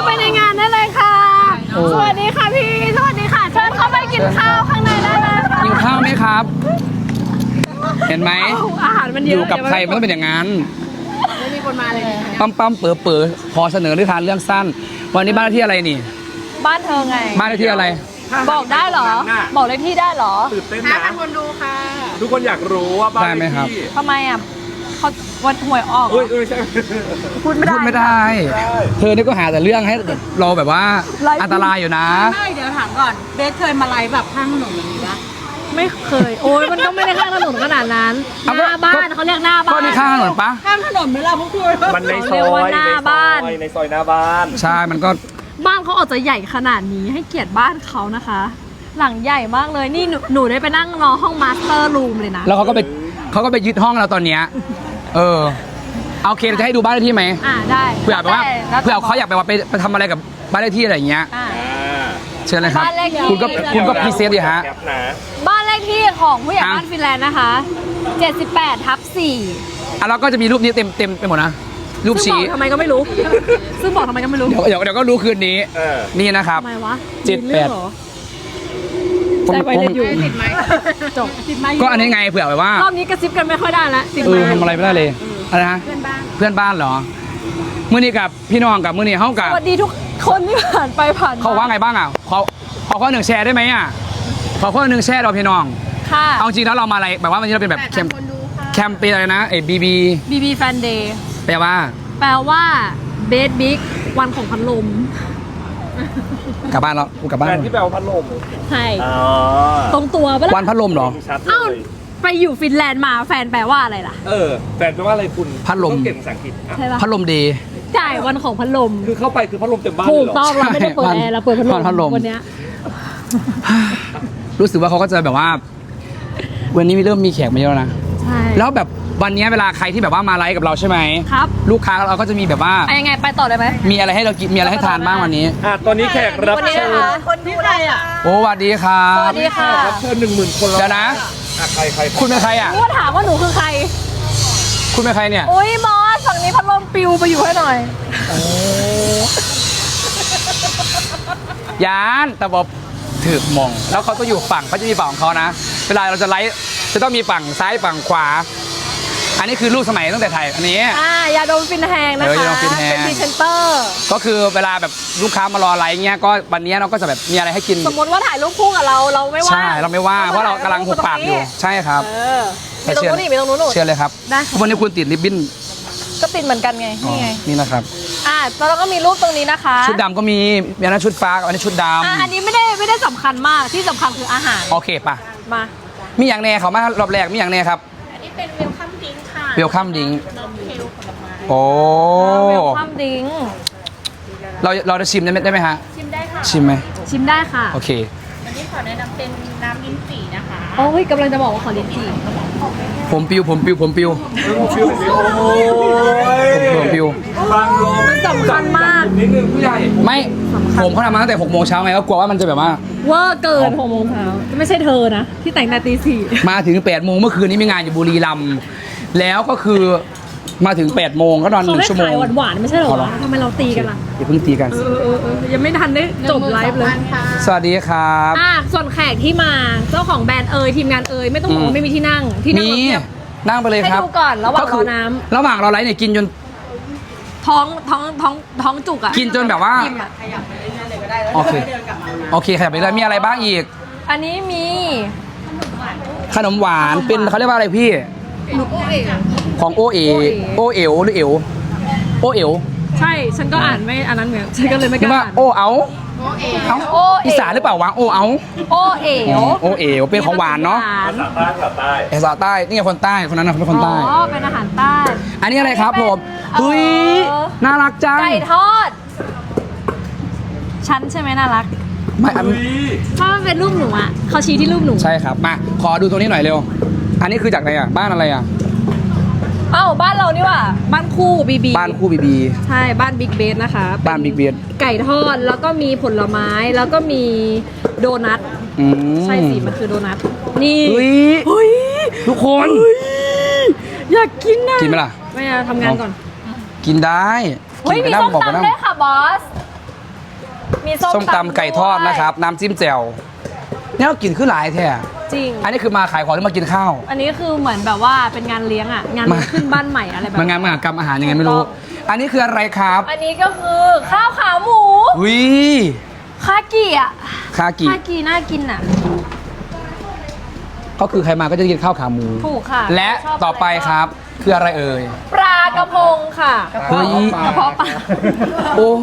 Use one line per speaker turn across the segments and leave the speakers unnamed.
าไปในงานได้เลยค่ะสวัสดีค่ะพี่สวัสดีค่ะเชิญเข้าไปกินข้าวข้างในได้เลยค่ะ
กินข้าวไหมครับ เห็นไหม
อาหารมันเยอะ
อยู่กับใครมันต้องเป็นอย่างนั้น
ไม่มีคนมาเลย
ปั๊มเป๋อขอเสนอนิทานเรื่องสั้นวันนี้บ้านเลขที่อะไรนี่
บ้านเธอไง
บ้านเลขที่อะไร
บอกได้เหรอบอกเลขที่ได้เหรอ
ตื่นเต้นนะ
คนดูค่ะ
ทุกคนอยากรู้ว่าบ้านเลขที่
ทำไมอ่ะเขาวันหวยออก
ใช่
พูดไม่ได้เธอนี่ก็หาแต่เรื่องให้เราแบบว่าอันตรายอยู่นะ
ไม่เดี๋ยวถามก่อนเบสเคยมาไลฟ์แบบข้างถนนแบบนี้ปะไม่เคยโอ้ยมันก็ไม่ได้ข้างถนนขนาดนั้นหน้าบ้านเขาเรียกหน้าบ้าน
ก็นี่ข้างถนนปะ
ข้างถนนไหมล่ะพวกคุณ
มันในซอย
หน้าบ้าน
ในซอยหน้าบ้าน
ใช่มันก็
บ้านเขาออกจะใหญ่ขนาดนี้ให้เกียรติบ้านเขานะคะ หลังใหญ่มากเลยนี่หนูได้ไปนั่งรอห้องมาสเตอร์รูมเลยนะ
แล้วเขาก็ไปยึดห้องเราตอนเนี้ยโอเคเราจะให้ดูบ้านเลขที่ไหม
ได้
เผื่อแบบว่าเผื่อเขาอยากไปทำอะไรกับบ้านเลขที่อะไรอย่างเงี้ยเชิญเลยครับคุณก็พรีเซนต์ดิฮะ
บ้านเลขที่ของผู้ใหญ่บ้านฟินแลนด์นะคะ78/4
แล้วก็จะมีรูปนี้เต็มไปหมดนะรูปชี้
ทำไมก็ไม่รู้ซึ่งบอกทำไมก็ไม่รู้
เดี๋ยวก็รู้คืนนี้นี่นะครับ
ทำไมวะ
78
ใจไปเล่นอยู่ติดไหมจบติดไหม
ก็อันนี้ไงเผื่อแบบว่าร
อบนี้กระซิบกันไม่ค่อยได้ละติดไหม
ทำอะไรไม่ได้เลยอะไรนะเพื่อนบ้านเหรอมื้อนี้กับพี่น้องกับมื้อนี้เฮากับ
สวัสดีทุกคนที่ผ่านไปผ่าน
เขาว่าไงบ้างอ่ะขอข้อหนึ่งแชร์ได้ไหมอ่ะขอข้อหนึ่งแชร์เราพี่น้อง
ค่ะ
เอาจริงแล้วเรามาอะไรแบบว่าวันนี้เราเป็นแบบแคมเปญอะไรนะBB
Fan Day
แปลว่า
เบสบิ๊กวันของพัดลม
กลับบ้านแล้วกลับบ้าน
แฟนที่แปลว่าพัดลม
ใช่ตรงตัวปะล่ะ
วันพัดลมเหรอ
อ้าวไปอยู่ฟินแลนด์มาแฟนแปลว่าอะไรล่ะ
แฟนแปลว่าอะไรคุณ
พัดลม
เก่งภาษาอังกฤษ
ใช่ปะ
พัดลมดี
จ่ายวันของพัดลม
คือเข้าไปคือพัดลมเต็มบ้าน
ถูกต้องเราไม่ได้เปิดแอร์เราเปิดพัดลมวันนี้
รู้สึกว่าเขาก็จะแบบว่าวันนี้เริ่มมีแขกมาเยอะนะ
ใช่
แล้วแบบวันนี้เวลาใครที่แบบว่ามาไลฟ์กับเราใช่ไหม
ครับ
ลูกค้าเราก็จะมีแบบว่า
ยังไงไปต่อได้ไหม
มีอะไรให้เรากินมีอะไรให้ทานบ้างวันนี้
ตอนนี้แขกรับเชิญ
คนที่ใครอ่ะ
โอ้สวัสดีครับ
สวัสดีค่ะ
รับเชิญ10,000 คนแล้ว
เดี๋ยวนะ
ใคร
คุณเป็นใครอ่ะ
ถามว่าหนูคือใคร
คุณเป็นใครเนี่ย
อุ้ยมอสฝั่งนี้พัดลมปิวไปอยู่ให้หน่อย
ยานแต่บอกถือมองแล้วเขาต้องอยู่ฝั่งเขาจะมีฝั่งของเขานะเวลาเราจะไลฟ์จะต้องมีฝั่งซ้ายฝั่งขวาอันนี้คือรูปสมัยตั้งแต่ไทยอันนี้
ยาดมฟินแฮงนะคะเป็นพรีเซนเตอร์
ก็คือเวลาแบบลูกค้ามารอไลฟ์เงี้ยก็วันนี้เราก็จะแบบมีอะไรให้กิน
สมมติว่าถ่ายรูปคู่กับเราไม่ว่า
ใช่เราไม่ว่าเพราะเรากำลังหุบปากอยู่ใช่ครับ
มีตรงนู้นมีตรงนู้น
เชื่อเลยครับวันนี้คุณติดริบบิ้น
ก็ติดเหมือนกันไงนี่ไง
นี่นะครับ
แล้วเราก็มีรูปตรงนี้นะคะ
ชุดดำก็มีอันนั้นชุดฟ้าอันนี้ชุดดำ
อันนี้ไม่ได้สำคัญมากที่สำคัญคืออาหาร
โอเคป่ะ
มา
มีอย่างแน่เขามารอบแรกมีอย่างแน่ครับ
อันนี้เป็นเวลคัมดิ้งค่ะ
เวลคัมดิ้งโอ้
เวลคัมดิ้ง
เราจะชิมได้ไหมฮะ
ชิมได้ค่ะ
ชิมไหม
ชิมได้ค่ะ
โอเค
วันนี้ขอแนะนำเป็นน้ำลิ้นจี่นะคะโอ้ยกำลังจะบอกว่าขอลิ้นจี่
ผมปิว
บางลม
สำคัญมาก
นิดนึงผู้ใหญ่
ไม่ผมเขาทำมาตั้งแต่6 โมงเช้าไงก็กลัวว่ามันจะแบบว่า
เวอร์เกิน6 โมงเช้าไม่ใช่เธอนะที่แต่งแต่ตี 4
มาถึง8 โมงเมื่อคืนนี้มีงานอยู่บุรีรัมย์แล้วก็คือมาถึง8 โมงก็นอน1 ชั่วโมง
หวานไม่ใช่หรอทำไมเราตีกันล่ะ
อย่าเพิ่งตีกัน
ยังไม่ทันได้จบไลฟ์เลย
สวัสดีครับ
ส่วนแขกที่มาเจ้าของแบรนด์ทีมงานไม่ต้องบอกว่าไม่มีที่นั่ง
นั่งไปเลยครับ
ให้ดูก่อนระหว่างรอน้ำ
ระหว่างเราไลฟ์เนี่ยกินจน
ท้องจุกอ่ะ
กินจนแบบว่าโอเคขยับไปเลยมีอะไรบ้างอีก
อันนี้มี
ขนมหวานเป็นเขาเรียกว่าอะไรพี่ของโอเอ๋หรือเอ๋ว
ใช่ฉันก็อ่านไม่อันนั้นเหมือนฉันก็เลยไม่กล้าอ่าน
โอเอาอีสานหรือเปล่าวะโอเอา
โอเอ๋ว
เป็นของหวานเนาะภาษาใต้นี่ไงคนใต้คนนั้นเป็นคนใต้
เป็นอาหารใต้
อันนี้อะไรครับผมเฮ้ยน่ารักจัง
ไก่ทอดฉันใช่ไหมน่ารัก
ไม่
เพราะมันเป็นรูปหนูอ่ะเขาชี้ที่รูปหนู
ใช่ครับมาขอดูตรงนี้หน่อยเร็วอันนี้คือจากไหนอ่ะบ้านอะไรอ่ะ
บ้านเรานี่ว่ะบ้านคู่บีใช่บ้านบิ๊กเบสนะคะ
บ้านบิ๊กเบส
ไก่ทอดแล้วก็มีผลไม้แล้วก็มีโดนัทใช่สิมันคือโดนัทนี่
เฮ้ยทุกคน
อยากกินนะ
กินไหมล่ะ
ไม่ทำงานก่อน
กินได้
เฮ้ยมีส้มตำด้วยค่ะบอสมี
ส้มตำไก่ทอด
ด้วย
นะครับ น้ำจิ้มแจ่วเนี่ยเรากินขึ้นหลายแท้
จริง
อันนี้คือมาขายของหรือมากินข้าว
อันนี้คือเหมือนแบบว่าเป็นงานเลี้ยงอ่ะ งานเลี้ยงขึ้นบ้านใหม่อะไรแบบ
มางานมหกรรมอาหารยังไงไม่รู้ อันนี้คืออะไรครับ
อันนี้ก็คือข้าวขาหมู
วิ
คากิอ่ะ
คากิ
คากิน่ากินอ่ะ
ก็คือใครมาก็จะกินข้าวขาหมู
ถูกค่ะ
และ
ชบ
ต่อไปครับคืออะไรเอ่ย
ปลากระพงค่ะ
เฮ้ย
กระเพาะปลา
โอ้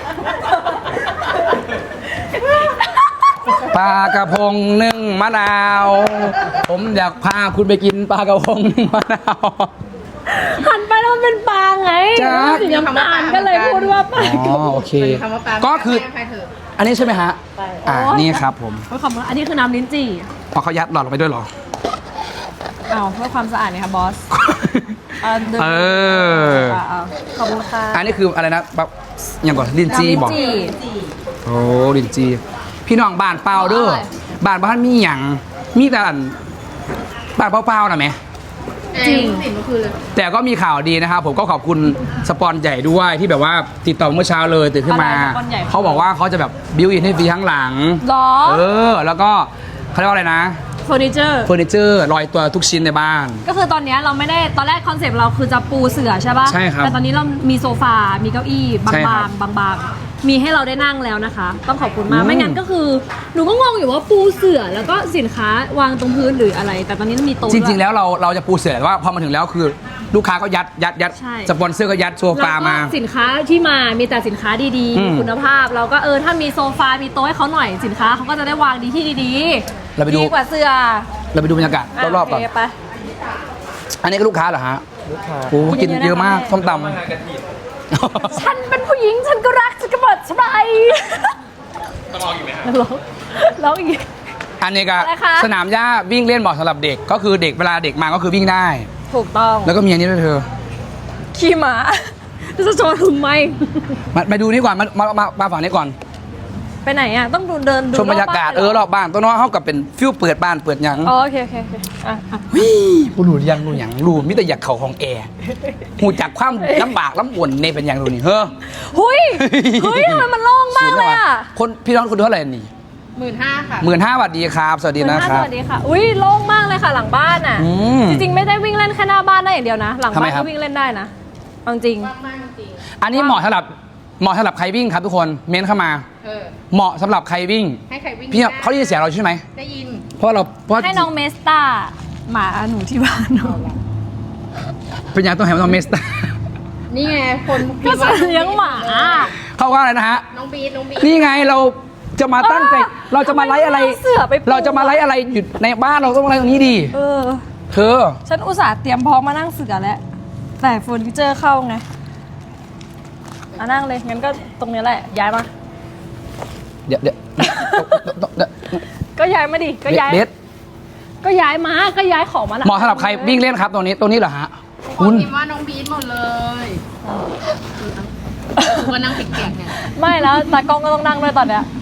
ปลากระพงนึ่งมะนาว ผมอยากพาคุณไปกินปลากระพงนึ่งมะนาว
หันไปแล้วมันเป็นปลาไง
จ๊ะ
สีน้ำตาลก็เลยพูดว่าปลา
อ๋อโอเค ก็คือ อันนี้ใช่ไหมฮะ นี่ครับผม
เพื่อความอันนี้คือน้ำลิ้นจี่
พอเขายัดหลอดลงไปด้วยเหรอ
เอาเพื่อความสะอาดเนี่ยค่ะบอสดิน
เออ
เอาขอบคุณค่ะ
อันนี้คืออะไรนะแบบอย่างก่อนลินจีบอก
น้ำลิ้นจี่
โอ้ลินจี พี่น้องบ้านเปล่าเด้อ
อร่อย
บ้านบ้านมีหยังมีแต่อันบ้านเปล่าๆนะแม่
จริง
แต่ก็มีข่าวดีนะครับ ผมก็ขอบคุณสปอนใหญ่ด้วยที่แบบว่าติดต่อเมื่อเช้าเลยตื่นขึ้นมา
อะไรสปอนใหญ่
เขาบอกว่าเขาจะแบบบิวอินให้ฟรีข้างหลัง
หรอ
แล้วก็เขาเรียกว่าอะไรนะ
เฟอร์นิเจอร์
เฟอร์นิเจอร์ลอยตัวทุกชิ้นในบ้าน
ก็คือตอนเนี้ยเราไม่ได้ตอนแรกคอนเซปต์เราคือจะปูเสื่อใช่ป่ะ
ใช่ครับ
แต่ตอนนี้เรามีโซฟา มีเก้าอี้บ
ใช่ครั
าง
บ
ๆบางๆมีให้เราได้นั่งแล้วนะคะ ต้องขอบคุณมาก
อืม
ไม่งั้นก็คือหนูก็งงอยู่ว่าปูเสื่อแล้วก็สินค้าวางตรงพื้นหรืออะไร แต่ตอนนี้มีโต๊ะ
จริง ๆ
ด้ย
แล้วเราจะปูเสือแต่ว่าพอมาถึงแล้วคือลูกค้าก็ยัด
ใช่
สปอนเซอร์ก็ยัดโซฟามา
แล้วก็สินค้าที่มามีแต่สินค้าดี
อืม
ๆคุณภาพ เราก็ถ้ามีโซฟา มีโต๊ะให้เขาหน่อยสินค้าเขาก็จะได้วางดีที่ดี
เราไปดู
ดีกว่าเสื้อ
เราไปดูบรรยากาศรอบๆก่อน
โเคไป
อันนี้ก็ลูกค้าเหรอฮะ
ลูกค้า
โอ้โหกินเยอะมากส้มต
มากระถิ่น
ำ
ฉันเป็นผู้หญิงฉันก็รักฉันก็เปิดสบาย
ต้องลองอีกไหมครับ
ร้องอีก
อันนี้ก็
อะไรคะ
สนามหญ้าวิ่งเล่นเหมาะสำหรับเด็กก็คือเด็กเวลาเด็กมาก็คือวิ่งได้
ถูกต้อง
แล้วก็มีอันนี้ด้วยเธอ
ขี่ม้าจะโชว์ทำไม
มาดูนี่ก่อนมาฝั่งนี้ก่อน
ไปไหนอ่ะ ต้องดูเดินดู
ชมบรรยากาศ
บ้นห
รอบบ้านตัวน้องเขากับเป็นฟิวเปิดบ้านเปิดหยัง
อ๋อโอเคโอเคโอเคอ่ะ
วิผู้รู้ยังรู้หยังรู้มิแต่อยากเข่าของแอร์หูจากความลำบากลำบนในเป็นอย่างรู้นี่เฮ้อ
หุยเฮ้ยทำไมมันโล่งมากเลยอ่ะ
คนพี่น้องคุณเท่าไหร่นี่
15,000 ค่ะ
15,000 สวัสดีครับ สวัสดีนะค
ส
รับ
วัสดีค่ะ อุ้ยโล่งมากเลยค่ะหลังบ้านอ่ะ
อืม
จริงๆไม่ได้วิ่งเล่นแค่หน้าบ้านได้อย่างเดียวนะ หลัง
ทำไม
บ้าน
ครับ
ก็วิ่งเล่นได้นะเอาจริง
มากจริง
อันนี้เหมาะสำหรับใครวิ่งครับทุกคนเม้นเข้ามา
เออ
เหมาะสำหรับใครวิ่ง
ให้ใครวิ่ง
พี่
ได้
เขาได้ยินเสียงเราใช่ไหม
ได้ยิน
เพราะเพราะ
ให้น้องเมสตาหมาหนูที่บ้านหนู
เป็นอย่างต้องแหมต้องเมสตา
นี่ไง คน
ก็จะเลี้ยงหมา
เขาว่าอะไรนะฮะ
น้องบีทน้องบีท
นี่ไงเราจะมาตั้งใจเราจะมาไลฟ์อะไร
ทำไมม่เสือไปปู
เราจะมาไลฟ์อะไรอยู่ในบ้านเราต้องไลฟ์ตรงนี้ดี
เออ
เธอ
ฉันอุตส่าห์เตรียมพร้อมมานั่งเสือแล้ว แต่เฟอร์นิเจอร์เข้าไงอ่ะนั่งเลย งั้นก็ตรงนี้แหละ ย้ายมา
เดี๋ยว
ก็ย้ายมาดิ ก็ย้าย
เบส
ก็ย้ายมา ก็ย้ายของมาละ
เหมาะสำหรับใครวิ่งเล่นครับตรงนี้เหรอฮะ
ค
คุ
น
ณ
พิมพ์ว่าน้องบีทหมดเลยว่านั่งเปียกๆเนี่ย
ไม่แล้วตากล้องก็ต้องนั่งด้วยตอนเนี้ย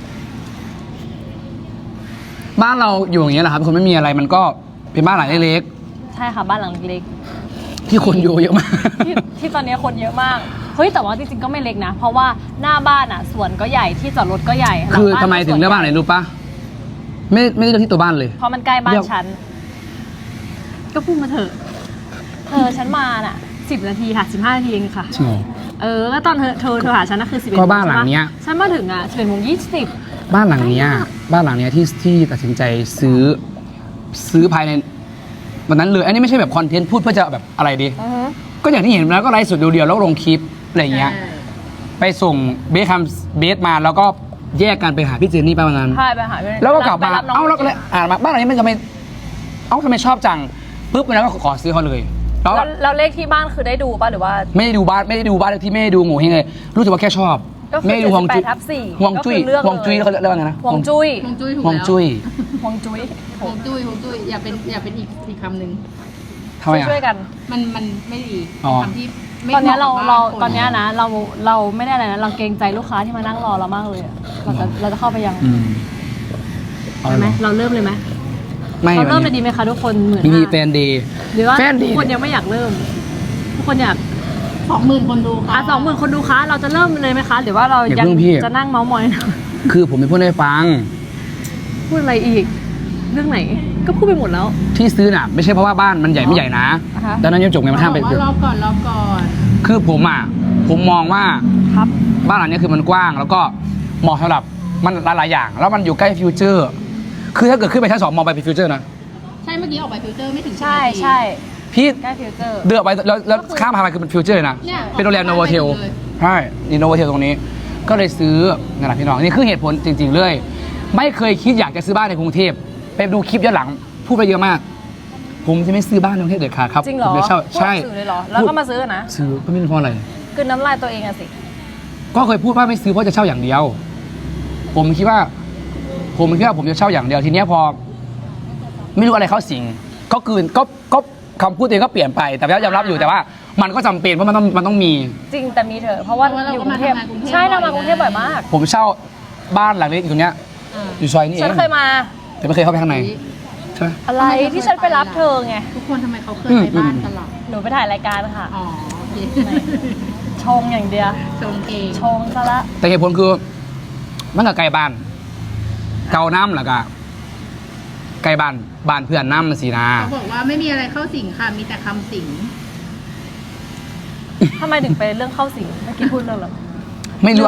บ้านเราอยู่อย่างเงี้ยแหละครับคนไม่มีอะไรมันก็เป็นบ้านหลังเล็ก
ใช่ค่ะบ้านหลังเล็ก
ๆที่คนอยู่เยอะมาก
ๆที่ตอนนี้คนเยอะมาก เฮ้ยแต่ว่าจริงๆก็ไม่เล็กนะ เพราะว่าหน้าบ้านอ่ะสวนก็ใหญ่ที่จอดรถก็ใหญ่หลั
คือ
บ้าน
ทำไมถึงเลือกบ้านไหนรู้ปะไม่ได้เลือกที่ตัวบ้านเลย
เพราะมันใกล้บ้า
เลื
น
อก
ฉัน ก็พูดมาเถอะฉันมาน่ะ10 นาทีค่ะ15 นาทีเองค่ะ
จริงเหรอ
ก็ตอนเธอหาฉันน่ะคือ11
ก็บ้านหลังเนี้ย
ฉันมาถึงอ่ะ11:20
บ้านหลังเนี้ยที่ตัดสินใจซื้อภายในวันนั้นเลยอันนี้ไม่ใช่แบบคอนเทนต์พูดเพื่อจะแบบอะไรดี ก็อย่างที่เห็นแล้วก็ไลฟ์สดเดียวๆแล้วลงคลิปอะไรอย่างเงี้ย ไปส่งเบสมาแล้วก็แยกกันไปหาพี่เจนนี่ไปวันนั้น
ใช่ไปหาพี่
แล้วก็กลับมา
ไปรับน้ง
เอ้าแล้วก็เลยมาบ้านหลังนี้มันจะไม่เอ้าทำไมชอบจังปุ๊บวันนั้นก็ขอซื้อเขาเลยแล้ว
แล้วเลขที่บ้านคือได้ดูป่ะหรือว่า
ไม่ได้ดูบ้านเลขที่ไม่ได้ดูโง่เฮงเลยรู้สึกว่าแค่ชอบ
ก็คือ
ไม่ได้ดูฮวงจุ้ย
78/4
ฮวงจุ้ย
ก็คือเลือกเลย
ฮวงจุ้ยเขาเรียกว่าไงนะ
ฮวงจุ้ย
ฮวงจุ้ยถูก
ฮวง
แล้ว
จุ้ย
ฮวงจุ้ย
ฮวงจุ้ยฮวงจุ้ยอย่าเป็นอีกคำหนึ่ง
ทำไมอ่ะ
ช่วยๆกัน
มันไม่ดี
อ๋อ
คำที่ไม่
ตอนเนี้ย
หมะกับ
เรา
บ้ค
ตอนเนี้ยนะเราไม่ได้อะไรนะเราเกรงใจลูกค้าที่มานั่งรอเรามากเลยอะเราจะเข้าไปยัง
อืมเอา
ใช่ไหม
เหรอ
เราเริ่มเลยไหม
ไม่
เราเริ่ม
วั
เล
น
ย
นี้
ดีไหมคะทุกคน15,000
มีแฟนดี
หรือว่า
แฟนดี
ทุกคนยังไม่อยากเริ่มทุกคนอยาก
20,000 คนดูค่ะ
20,000 คนดูคะเราจะเริ่มเลยไหมคะหรือว่าเรา
อย่าเพิ่งพี่
จะนั่งเมาส์มอย
คือผมไปพูดให้ฟัง
พูดอะไรอีก เรื่องไหน ก็พูดไปหมดแล้ว
ที่ซื้อน่ะไม่ใช่เพราะว่าบ้านมันใหญ่ไม่ใหญ่นะ
อ่าฮะ
ดังนั้นยังจบไงมันห้ามไป
บอกว่ารอก่อนรอก่อน
คือผมมองว่า
ครับ
บ้านหลังนี้คือมันกว้าง แล้วก็เหมาะสำหรับมันหลายๆอย่าง แล้วมันอยู่ใกล้ฟิวเจอร์ คือถ้าเกิดขึ้นไปชั้น 2มองไปเป็นฟิวเจอร์นะ
ใช่เมื่อกี้ออกไปฟิลเตอร์ไม่ถึง
ใช่
10นาที
ใช่
พี่
ใกล้ฟิวเจอร์
เดือกไปแล้วข้ามพาไปคือเป็นฟิวเจอร์เลยนะ
เนี่ย
เป็นโรงแรมโนโวเทล
เลย
ใช่นี่โนโวเทลตรงนี้ ก็เลยซื้อนั่นแหละพี่น้องนี่คือเหตุผลจริงๆเลย ไม่เคยคิดอยากจะซื้อบ้านในกรุงเทพไปดูคลิปย้อนหลังพูดไปเยอะมาก ผมจะไม่ซื้อบ้านในกรุงเทพเด็ดขาดครับ
จริงเหรอ
ผมจะเช่า
พูด
ใช่
สื่อเลยเหรอ แล้วก็มาซื้อนะ
ซื้อก็ไม่รู้เพราะอะไร
คือน้ำลายตัวเองอะสิ
ก็เคยพูดว่าไม่ซื้อเพราะจะเช่าอย่างเดียว ผมคิดว่าผมจะเช่าอย่างเดียวทีเนี้ยพอ ไม่รู้อะไรเข้าสิงก็คำพูดตัวเองก็เปลี่ยนไปแต่ก็ยอมรับอยู่แต่ว่า มันก็จำเป็นเพราะมันต้องมี
จริงแต่มีเถอะเพราะว่า
เพราะว่าเรา
อยู่
ก็
กรุงเทพ
มาทำงานกรุงเทพ
ใช่เรามา
บ่อยนะ
กรุงเทพบ่อยมาก
ผมเช่าบ้านหลังเล็กอยู่ตรงเนี้ย
อ่า
อยู่ซอยนี้เอ
ฉัน
ง
เคยมา
แต่ไม่เคยเข้าไปข้างในใช่ไหม
อะไรที่ฉันไปรับเธอไง
ทุกคนทำไมเขาเคยไปบ้านกันหรอ
หนูไปถ่ายรายการค่ะ
อ๋อโอเค
ชงอย่างเดียว
ชงเอง
ชงซะละ
แต่เหตุผลคือมันกับไกลบ้าน เกาน้ำแล้วก็ไกลบ้านเพื่อนน้ำสินะ
เขาบอกว่าไม่มีอะไรเข้าสิงค่ะมีแต่คำสิง
ทำไมถึงไปเรื่องเข้าสิงเมื่อกี้พูดเรื่องอะไร
ไม่รู้